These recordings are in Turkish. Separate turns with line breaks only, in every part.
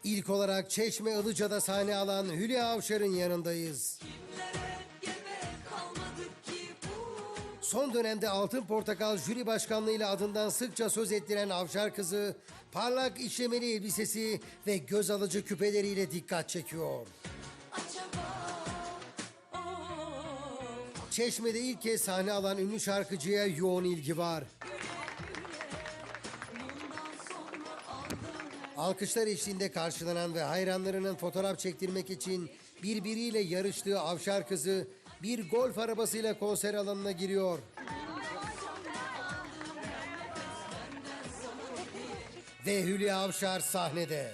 İlk olarak Çeşme Ilıca'da sahne alan Hülya Avşar'ın yanındayız. Son dönemde Altın Portakal jüri başkanlığıyla adından sıkça söz ettiren Avşar kızı, parlak işlemeli elbisesi ve göz alıcı küpeleriyle dikkat çekiyor. Çeşme'de ilk kez sahne alan ünlü şarkıcıya yoğun ilgi var. Alkışlar eşliğinde karşılanan ve hayranlarının fotoğraf çektirmek için birbiriyle yarıştığı Avşar kızı bir golf arabasıyla konser alanına giriyor. Ve Hülya Avşar sahnede.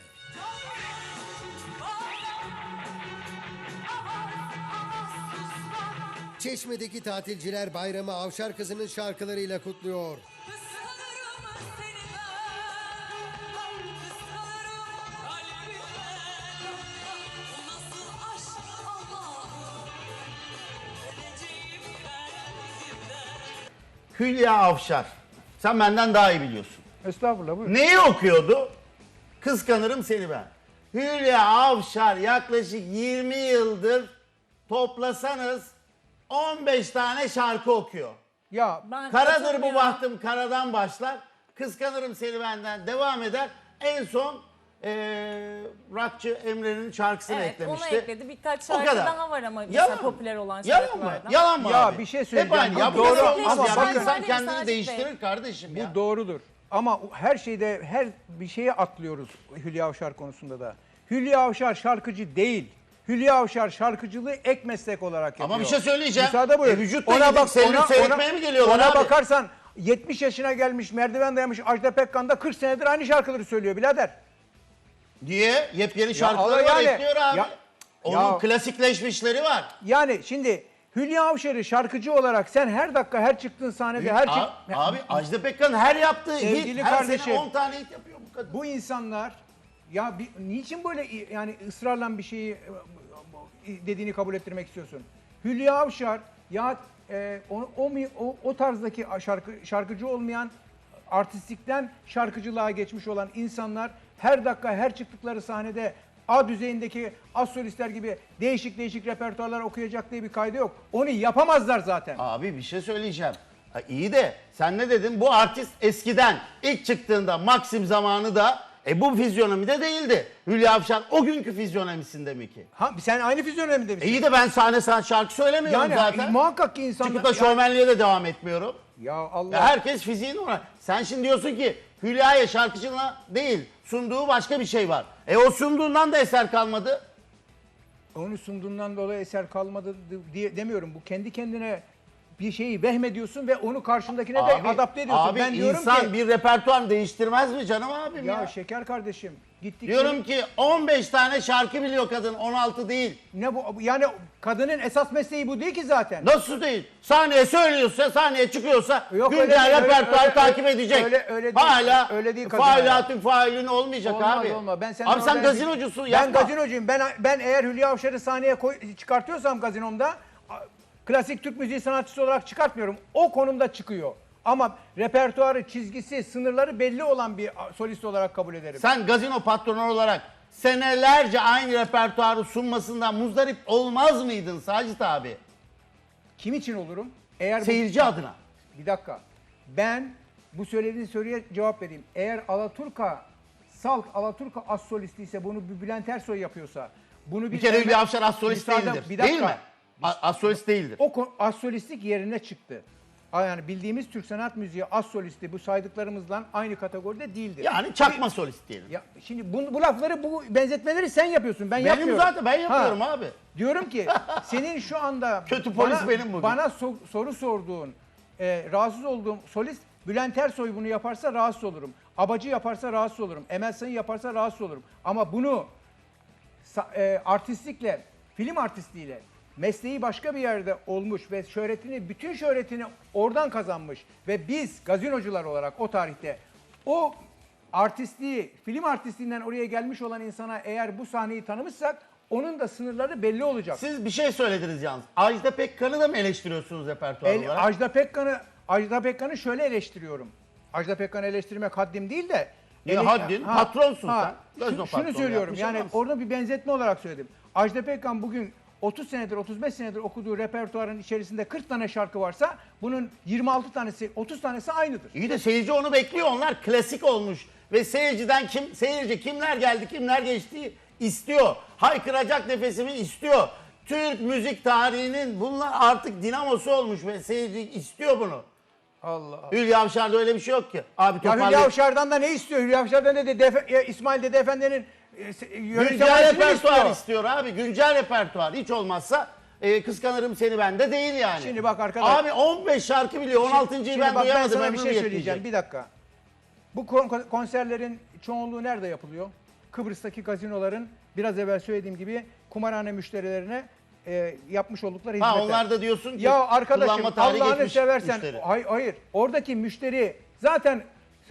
Çeşme'deki tatilciler bayramı Avşar kızının şarkılarıyla kutluyor.
Hülya Avşar. Sen benden daha iyi biliyorsun.
Estağfurullah, buyurun.
Neyi okuyordu? Kıskanırım seni ben. Hülya Avşar yaklaşık 20 yıldır toplasanız 15 tane şarkı okuyor.
Ya
Karadır bu bahtım karadan başlar. Kıskanırım seni benden devam eder. En son rockçı Emre'nin şarkısını
Evet,
eklemişti.
onu ekledi. Birkaç
O
şarkı
kadar.
daha var ama
Yalan
mesela popüler olan
Yalan mı?
şarkılardan.
Yalan mı
Ya
abi?
bir şey
Hep
söyleyeceğim.
aynı. Ya
Bu
bu
doğru
kadar olmaz
ama
ya.
bakın-
Bir insan
Sadece
kendini
Bey.
değiştirir kardeşim ya.
bu doğrudur. Ama her şeyde, her bir şeye atlıyoruz Hülya Avşar konusunda da. Hülya Avşar şarkıcı değil. Hülya Avşar şarkıcılığı ek meslek olarak yapıyor.
Ama bir şey söyleyeceğim.
Müsaade buyur.
Vücutla gidip seyretmeye mi geliyorlar
ona
abi?
bakarsan 70 yaşına gelmiş, merdiven dayamış Ajda Pekkan da 40 senedir aynı şarkıları söylüyor birader.
Diye yepyeni şarkıları
Allah
var
yani.
ekliyor abi.
Ya-
Onun
ya-
klasikleşmişleri var.
Yani şimdi Hülya Avşar'ı şarkıcı olarak sen her dakika, her çıktığın sahnede, her
Abi Ajda Pekkan her yaptığı
Sevgili
hit, her
kardeşim,
sene 10 tane hit yapıyor bu kadın.
bu insanlar ya niçin böyle yani ısrarla bir şeyi dediğini kabul ettirmek istiyorsun? Hülya Avşar ya o tarzdaki şarkıcı olmayan, artistlikten şarkıcılığa geçmiş olan insanlar her dakika her çıktıkları sahnede A düzeyindeki az solistler gibi değişik değişik repertuarlar okuyacak diye bir kaydı yok. Onu yapamazlar zaten.
Abi bir şey söyleyeceğim. Ha, iyi de sen ne dedin? Bu artist eskiden ilk çıktığında Maxim zamanı da bu fizyonomide değildi. Hülya Avşar o günkü fizyonomisinde mi ki?
Ha, sen aynı fizyonomide misin?
İyi de ben sahne şarkı söylemiyorum
Yani
zaten.
muhakkak ki insanlar...
Çıkıp da şovmenliğe de devam etmiyorum.
Ya Allah...
Ya herkes fiziğini ona. Sen şimdi diyorsun ki Hülya'ya şarkıcına değil sunduğu başka bir şey var. O sunduğundan da eser kalmadı.
Onu sunduğundan dolayı eser kalmadı diye demiyorum. Bu kendi kendine bir şeyi vehmediyorsun ve onu karşındakine de adapte ediyorsun.
Abi
Ben diyorum
insan
ki...
bir repertuar değiştirmez mi canım abim ya?
Ya şeker kardeşim gittik...
Diyorum ki 15 tane şarkı biliyor kadın 16 değil.
Ne bu? Yani kadının esas mesleği bu değil ki zaten.
Nasıl değil? Sahneye söylüyorsa, sahneye çıkıyorsa
Yok,
güncel
öyle-
repertuar
öyle-
takip edecek.
öyle değil.
Hala
Öyle değil kadın
failatün failin olmayacak
Olmaz,
abi.
olmaz. Ben
Abi sen
orada-
gazinocusun
Ben
yapma.
gazinocuyum. Ben eğer Hülya Avşar'ı sahneye çıkartıyorsam gazinomda klasik Türk müziği sanatçısı olarak çıkartmıyorum. O konumda çıkıyor. Ama repertuarı, çizgisi, sınırları belli olan bir solist olarak kabul ederim.
Sen gazino patronu olarak senelerce aynı repertuarı sunmasından muzdarip olmaz mıydın Sacit abi?
Kim için olurum? Eğer
Seyirci adına.
Bir dakika. Ben bu söylediğin soruya cevap vereyim. Eğer Alaturka az solisti ise bunu bir Bülent Ersoy yapıyorsa bunu
Bir kere Hülya Avşar az solist değildir.
Bir dakika.
Değil mi? Az solist değildir.
O az solistlik yerine çıktı. Yani bildiğimiz Türk sanat müziği az solisti bu saydıklarımızla aynı kategoride değildir.
Yani çakma solist diyelim.
Ya şimdi bu lafları, bu benzetmeleri sen yapıyorsun. Ben
Benim
yapmıyorum.
zaten ben yapıyorum abi.
Diyorum ki senin şu anda
Kötü polis benim bugün.
bana soru sorduğun, rahatsız olduğum solist Bülent Ersoy bunu yaparsa rahatsız olurum. Abacı yaparsa rahatsız olurum. Emel Sayın yaparsa rahatsız olurum. Ama bunu artistlikle, film artistliğiyle mesleği başka bir yerde olmuş ve bütün şöhretini oradan kazanmış ve biz gazinocular olarak o tarihte o artistliği, film artistliğinden oraya gelmiş olan insana eğer bu sahneyi tanımışsak onun da sınırları belli olacak.
Siz bir şey söylediniz yalnız. Ajda Pekkan'ı da mı eleştiriyorsunuz repertuar olarak?
Ajda Pekkan'ı şöyle eleştiriyorum. Ajda Pekkan'ı eleştirmek haddim değil de
Ya haddin, patronsun sen. Gazino
Şunu
patronu
söylüyorum
yapmış
yani
adamsın.
orada bir benzetme olarak söyledim. Ajda Pekkan bugün 30 senedir 35 senedir okuduğu repertuarın içerisinde 40 tane şarkı varsa bunun 26 tanesi 30 tanesi aynıdır.
İyi de seyirci onu bekliyor. Onlar klasik olmuş. Ve seyirci kimler geldi kimler geçti istiyor. Haykıracak nefesimi istiyor. Türk müzik tarihinin bunlar artık dinamosu olmuş ve seyirci istiyor bunu.
Allah Allah.
Hülya Avşar'da öyle bir şey yok ki. Abi
Ya Hülya
toparlayın.
Avşar'dan da ne istiyor? Hülya Avşar'dan da İsmail Dede Efendi'nin
Güncel
yönetmenliğini
repertuar istiyor abi. Güncel repertuar. Hiç olmazsa kıskanırım seni bende değil yani.
Şimdi bak arkadaş.
Abi 15 şarkı biliyor. 16.'yı
Şimdi
ben
bak
duyamadım.
sana bir
ömrüm
şey söyleyeceğim.
yetmeyecek.
Bir dakika. Bu konserlerin çoğunluğu nerede yapılıyor? Kıbrıs'taki gazinoların biraz evvel söylediğim gibi kumarhane müşterilerine yapmış oldukları hizmetler.
Ha onlar da diyorsun ki
Ya arkadaşım
kullanma tarihi
Allah'ını
geçmiş
seversen
müşteri.
hayır. Oradaki müşteri zaten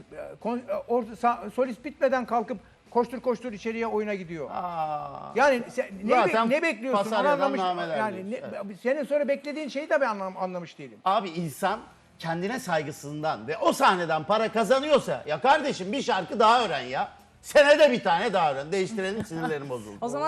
solist bitmeden kalkıp koştur içeriye oyuna gidiyor.
Aa.
Yani
Zaten
ne bekliyorsun? Onu
Pasaryadan
anlamış.
nameler
Yani
diyorsun,
senin sonra beklediğin şeyi de ben anlamış değilim.
Abi insan kendine saygısından ve o sahneden para kazanıyorsa ya kardeşim bir şarkı daha öğren ya. Senede bir tane daha öğren. Değiştirelim sinirlerim bozuldu.
O zaman